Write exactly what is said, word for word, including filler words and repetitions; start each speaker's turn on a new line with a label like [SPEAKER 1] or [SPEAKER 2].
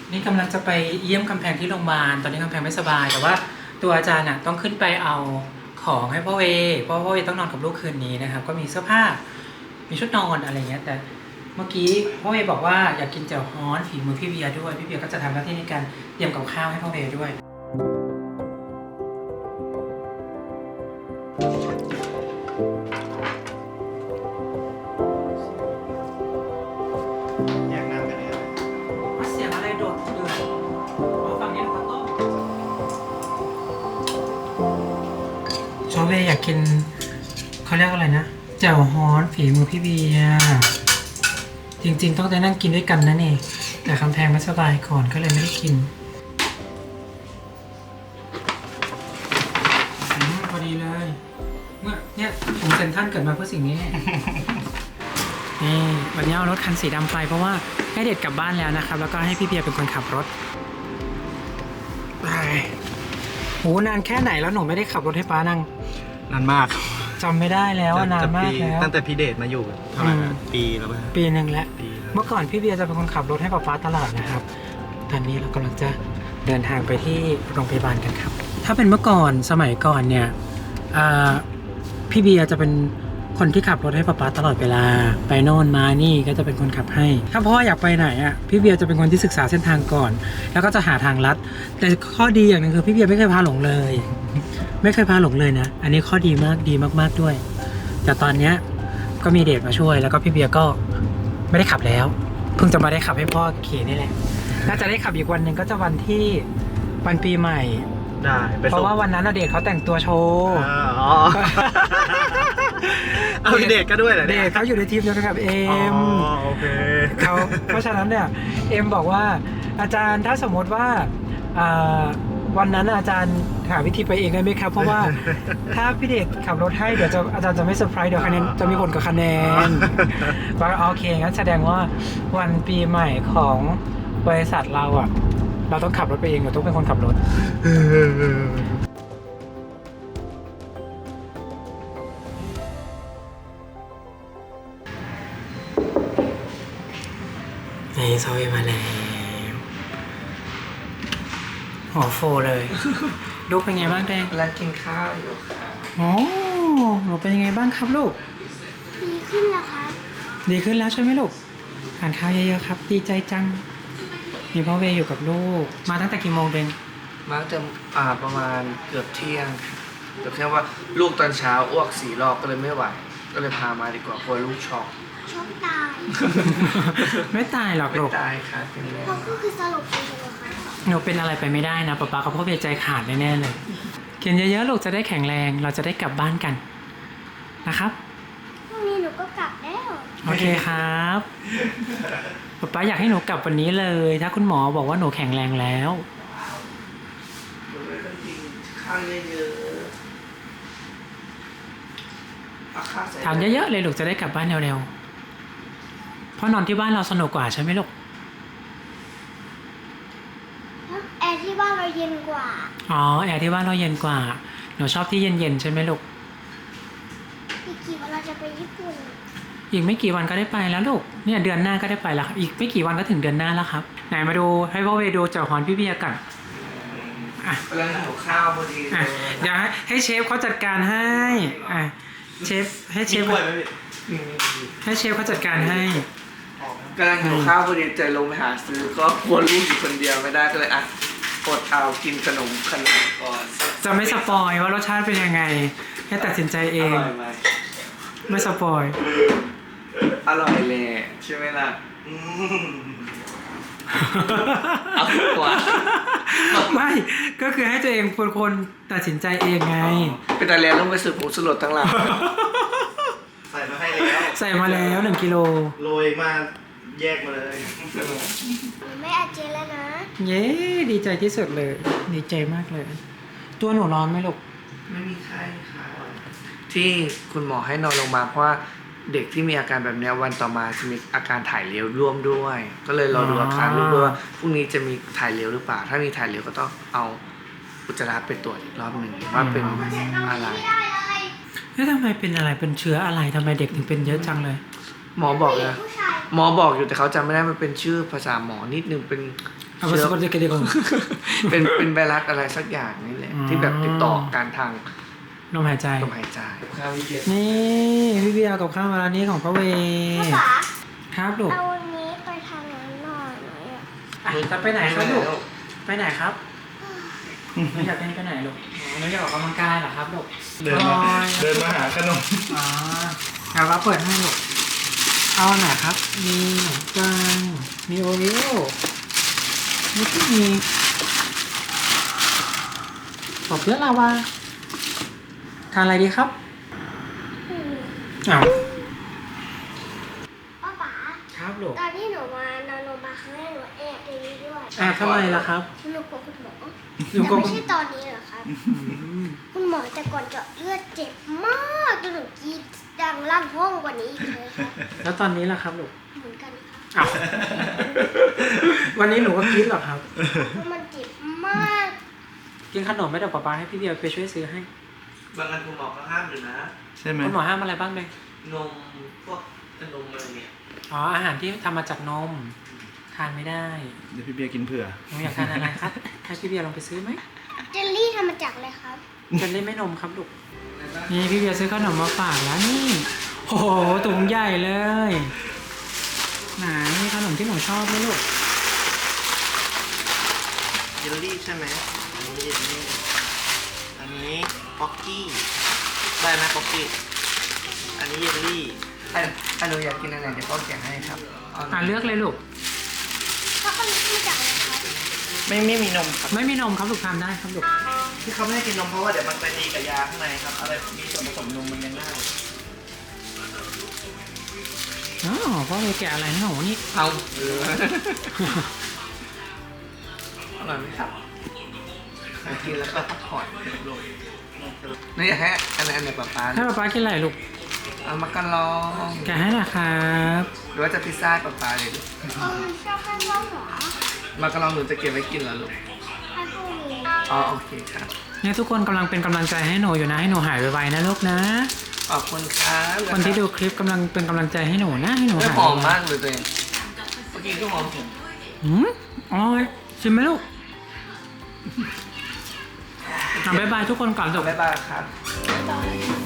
[SPEAKER 1] นี่กำลังจะไปเยี่ยมกำแพงที่โรงพยาบาลตอนนี้กำแพงไม่สบายแต่ว่าตัวอาจารย์น่ะต้องขึ้นไปเอาของให้พ่อเวเพราะพ่อเวต้องนอนกับลูกคืนนี้นะครับก็มีเสื้อผ้ามีชุดนอนอะไรเงี้ยแต่เมื่อกี้พ่อเวบอกว่าอยากกินแจ่วฮ้อนฝีมือพี่เบียร์ด้วยพี่เบียร์ก็จะทำหน้าที่ในการเตรียมกับข้าวให้พ่อเวด้วยเสียงอะไรโดดเดือดฝั่งนี้นะครับต้มชอบเวอยากกินเขาเรียกอะไรนะแจ่วฮ้อนฝีมือพี่เบียร์จริงๆต้องได้นั่งกินด้วยกันนะนี่แต่คำแพงไม่สบายก่อนก็เลยไม่ได้กินอืมพอดีเลยเมื่อเนี่ยผมเซ็นท่านเกิดมาเพื่อสิ่งนี้ นี่วันนี้เอารถคันสีดำไปเพราะว่าให้เด็ดกลับบ้านแล้วนะครับแล้วก็ให้พี่เบียร์เป็นคนขับรถไปโหนานแค่ไหนแล้วหนูไม่ได้ขับรถให้ป้านั่ง
[SPEAKER 2] นานมาก
[SPEAKER 1] จำไม่ได้แล้วนานมากแล้ว
[SPEAKER 2] ตั้งแต่พี่เดชมาอยู่เท่าไหร่นะปีแล้วป่ะ
[SPEAKER 1] ปีหนึ่งแล้วเมื่อก่อนพี่เบียร์จะเป็นคนขับรถให้ป้าป้าตลอดนะครับตอนนี้เรากำลังจะเดินทางไปที่โรงพยาบาลกันครับถ้าเป็นเมื่อก่อนสมัยก่อนเนี่ยพี่เบียร์จะเป็นคนที่ขับรถให้ป้าป๊าตลอดเวลาไปโน่นมานี่ก็จะเป็นคนขับให้ถ้าพ่ออยากไปไหนอ่ะพี่เบียร์จะเป็นคนที่ศึกษาเส้นทางก่อนแล้วก็จะหาทางลัดแต่ข้อดีอย่างหนึ่งคือพี่เบียร์ไม่เคยพาหลงเลยไม่เคยพาหลงเลยนะอันนี้ข้อดีมากดีมากๆด้วยแต่ตอนเนี้ยก็มีเดชมาช่วยแล้วก็พี่เบียร์ก็ไม่ได้ขับแล้วเพิ่งจะมาได้ขับให้พ่อขี่นี่แหละน่าจะได้ขับอีกวันหนึ่งก็จะวันที่วันปีใหม่
[SPEAKER 2] ได้
[SPEAKER 1] เพราะว่าวันนั้นเดชเขาแต่งตัวโชว์
[SPEAKER 2] อ๋อเอาเด็กก็ด้วยเหรอ
[SPEAKER 1] เด็กเขาอยู่ในทีมเดียวกันกับเอ็ม
[SPEAKER 2] อ๋อโอเค
[SPEAKER 1] เขาเพราะฉะนั้นเนี่ยเอ็มบอกว่าอาจารย์ถ้าสมมติว่าวันนั้นอาจารย์หาวิธีไปเองได้ไหมครับเพราะว่าถ้าพี่เด็กขับรถให้เดี๋ยวจะอาจารย์จะไม่เซอร์ไพรส์เดี๋ยวคะแนนจะมีผลกับคะแนนว่าโอเคงั้นแสดงว่าวันปีใหม่ของบริษัทเราอ่ะเราต้องขับรถไปเองเราต้องเป็นคนขับรถนี่โซเอมาแล้วหัวโฟเลยลูกเป็นไงบ้างแดง
[SPEAKER 3] กำลังกินข้าวอยู่ค่ะ
[SPEAKER 1] โอ้หนูเป็นยังไงบ้างครับลูก
[SPEAKER 4] ดีขึ้นแล้วครับ
[SPEAKER 1] ดีขึ้นแล้วใช่ไหมลูกทานข้าวเยอะๆครับดีใจจังมีพ่อเวอยู่กับลูกมาตั้งแต่กี่โมงเดง
[SPEAKER 3] มาตั้งแต่อ่าประมาณเกือบเที่ยงเกือบเที่ยงว่าลูกตอนเช้าอ้วกสี่รอบก็เลยไม่ไหวก็เลยพามาดีกว่ากลัวลูกช็อก
[SPEAKER 4] ช็อกตาย
[SPEAKER 1] ไม่ตายหรอกลูก
[SPEAKER 3] ไม่ตายค่ะเป็นแล้ว
[SPEAKER 4] เขาก็คือสลบไปเลยค่ะ
[SPEAKER 1] หนูเป็นอะไรไปไม่ได้นะป๊าป๊ากับพ่อเวใจขาดแน่ๆเลยกินเยอะๆลูกจะได้แข็งแรงเราจะได้กลับบ้านกันนะครับ
[SPEAKER 4] พรุ่งนี้หนูก็กลับแล้ว
[SPEAKER 1] โอเคครับป๊าป๊าอยากให้หนูกลับวันนี้เลยถ้าคุณหมอบอกว่าหนูแข็งแรงแล้ว
[SPEAKER 3] หนูเลยต้องกินข้าวเยอะๆ
[SPEAKER 1] ทานเยอะๆเลยลูกจะได้กลับบ้านเร็วๆเพราะนอนที่บ้านเราสนุกกว่าใช่ไหมลูก
[SPEAKER 4] แอร์ที่บ้านเราเย็นกว่า
[SPEAKER 1] อ๋อแอร์ที่บ้านเราเย็นกว่าหนูชอบที่เย็นๆใช่ไหมลูก
[SPEAKER 4] อีกกี่วันเราจะไปญี่ปุ่น
[SPEAKER 1] อีกไม่กี่วันก็ได้ไปแล้วลูกเนี่ยเดือนหน้าก็ได้ไปแล้วครับอีกไม่กี่วันก็ถึงเดือนหน้าแล้วครับไหนมาดูให้พ่อเวดูแจ่วฮ้อนพี่เบียร์กัน
[SPEAKER 3] อ่ะกำลังหิวข้าวพอดีเลย
[SPEAKER 1] เดี๋ยวให้เชฟเขาจัดการให้อ่ะเชฟให้เชฟให้เชฟเขาจัดการให้
[SPEAKER 3] กำลังหิวข้าวพอดีใจลงไปหาซื้อก็กลัวลูกอยู่คนเดียวไม่ได้ก็เลยอ่ะอดเอากินขนมขนมก่อน
[SPEAKER 1] จะไม่สปอยว่ารสชาติเป็นยังไงให้ตัดสินใจเอง
[SPEAKER 3] อร่อยไหม
[SPEAKER 1] ไม่สปอย
[SPEAKER 3] อร่อยเลยใช่ไหมล่ะเอากว่า
[SPEAKER 1] ไม่ก็คือให้ตัวเองเป็นคนตัดสินใจเองไง
[SPEAKER 3] เป็นอะไรต้องไปสืบผงสลดทั้งหลัง
[SPEAKER 2] ใส่มาให้แล้ว
[SPEAKER 1] ใส่มาแล้วหนึ่งกิโล
[SPEAKER 2] โรยมาแยกมาเลย
[SPEAKER 4] ไม่อาเจนแล้วนะ
[SPEAKER 1] เย้ดีใจที่สุดเลยดีใจมากเลยตัวหนูร้อนไหมลูก
[SPEAKER 3] ไม่มีไข้ค่ะที่คุณหมอให้นอนโรงพยาบาลเพราะว่าเด็กที่มีอาการแบบนี้วันต่อมาจะมีอาการถ่ายเหลวร่วมด้วยก็เลยรอดูอาการลูกด้วยว่าพรุ่งนี้จะมีถ่ายเหลวหรือเปล่าถ้ามีถ่ายเหลวก็ต้องเอาอุจจาระไปตรวจอีกรอบหนึ่งว่าเป็นอะไร
[SPEAKER 1] แล้วทำไมเป็นอะไรเป็นเชื้ออะไรทำไมเด็กถึงเป็นเยอะจังเลย
[SPEAKER 3] หมอบอกนะหมอบอกอยู่แต่เขาจำไม่ได้มันเป็นชื่อภาษาหมอนิดนึงเป็น
[SPEAKER 1] เอาไปสกัดกันดีกว่า
[SPEAKER 3] เป็นเป็นไวรัสอะไรสักอย่างนี่แหละ
[SPEAKER 1] อ๋อ
[SPEAKER 3] ที่แบบติดต่อการทาง
[SPEAKER 1] ลมหายใจ
[SPEAKER 3] ลมหายใจข้าววิเศษ
[SPEAKER 1] นี่พี่เบียร์กับข้าวมาร้านนี้ของป้าเว
[SPEAKER 4] พ่อป๋า
[SPEAKER 1] ครับลูก
[SPEAKER 4] เอาวันนี้ไปทางนั้นหน่อยหน่อยอะ
[SPEAKER 1] อ่ะจะไปไหนครับลูกไปไหนครับหนูอยากเล่นไปไหนลูกอ๋อหนูอยากออกกำลังกายเหรอครับลูก
[SPEAKER 2] เดินมา
[SPEAKER 1] โอ้ย
[SPEAKER 2] เดินมาหาขนม
[SPEAKER 1] อ๋อเอาว่าเปิดให้ลูกเอาอันไหนครับ มีขนมปังมีโอริโอมีที่มีปอบเพื่อนลาวาทานอะไรดีครับ
[SPEAKER 4] อืม
[SPEAKER 1] อ้าว
[SPEAKER 4] พ่อป๋า
[SPEAKER 1] ครับลูก
[SPEAKER 4] ตอนที่หนูมานอนโรงพยาบาลครั้งแรกหนูแอบในนี้ด้วย
[SPEAKER 1] แอบทำไมล่ะครับ
[SPEAKER 4] หนูกลัวคุณหมอ
[SPEAKER 1] หนูกลัว
[SPEAKER 4] แต่ไม่ใช่ตอนนี้เหรอครับ คุณหมอแต่ก่อนเจาะเลือดเจ็บมากจนหนูกรีดดังลั่นห้องกว่านี้อีกเลยครับ
[SPEAKER 1] แล้วตอนนี้ล่ะครับลูก
[SPEAKER 4] เหมือนกันครับ
[SPEAKER 1] อ้าววันนี้หนูก็คิดเหรอครับ
[SPEAKER 4] เพราะมันเจ็บมาก
[SPEAKER 1] กินขนมไม่ได้ป๊าป๊าให้พี่เบียร์ไปช่วยซื้อให้
[SPEAKER 3] บางอันคุณหมอก็ห้ามอยู่นะ
[SPEAKER 2] ใช่ไหม
[SPEAKER 1] คุณหมอห้ามอะไรบ้างเลย
[SPEAKER 3] นมพวกนมอะไรเนี่ย
[SPEAKER 1] อ๋ออาหารที่ทำมาจากนม ทานไม่ได้
[SPEAKER 2] เดี๋ยวพี่เบียร์กินเผื่อ
[SPEAKER 1] หนูอยากทานอะไรครับให้พี่เบียร์ลองไปซื้อไหม
[SPEAKER 4] เจลลี่ทำมาจากอะไรครับ
[SPEAKER 1] เป็นเล่นไม่นมครับลูกนี่พี่เบียร์ซื้อขนมมาฝากแล้วนี่โอ้โหถุงใหญ่เลยไหนขนมที่หนูชอบไหมลูก
[SPEAKER 2] เยลลี่ใช่ไหมอันนี้เยลลี่อันนี้ป๊อกกี้ ได้ไหมป๊อกกี้ อันนี้เยลลี่
[SPEAKER 3] ถ้าถ้าหนูอยากกินอะไรเดี๋ยวพ่อแกะให้ครับา
[SPEAKER 1] อ่าเลือกเลยลูก
[SPEAKER 4] ช็อกโกแลตทำมาจากอะไรครับ
[SPEAKER 2] ไม่ไม่มีนมครับ
[SPEAKER 1] ไม่มีนมครับลูกทานได้ครับลูก
[SPEAKER 2] ที่เขาไม่ให้กินนมเพราะว่าเดี๋ยวมันไปตีกับยาข้างในครับ อะไรมีส่วนผสมนมมันยังได้
[SPEAKER 1] อ๋อพ่อเลยแกะอะไรให้หนูนี่
[SPEAKER 3] เอาเอออร่อยไหมครับกินแล้วก็พักผ่อนนี่อยากให้อันไหนอันไหนป๊าป๊า
[SPEAKER 1] ให้ป๊าป๊ากินอะไรลูก
[SPEAKER 3] เอามากันลอง
[SPEAKER 1] แกะให้นะครับ
[SPEAKER 3] หรือว่าจะพิซซ่าป๊าป๊าเลยลูก
[SPEAKER 4] เออชอบให้พ่อหมอ
[SPEAKER 3] มากันลองหนูจะเก็บไว้กินเหรอลูก
[SPEAKER 4] ให้พวกนี้
[SPEAKER 3] อ๋อโอเคครับ
[SPEAKER 1] เนี่ยทุกคนกำลังเป็นกำลังใจให้หนูอยู่นะให้หนูหายไวๆนะลูกนะ
[SPEAKER 3] ขอบคุณครับ
[SPEAKER 1] คนที่ดูคลิปกำลังเป็นกำลังใจให้หนูนะให้หนู
[SPEAKER 3] ไม่
[SPEAKER 1] หาย
[SPEAKER 3] หอม
[SPEAKER 1] ไว
[SPEAKER 3] มากเลยตัวเองเมื่อกี้ก็หอมถึง
[SPEAKER 1] ๆหืมอร่อยชิมไหมลูกอ่ะบ๊ายบายทุกคนก่อนจบ
[SPEAKER 3] บ๊ายบายครับ
[SPEAKER 4] ตอน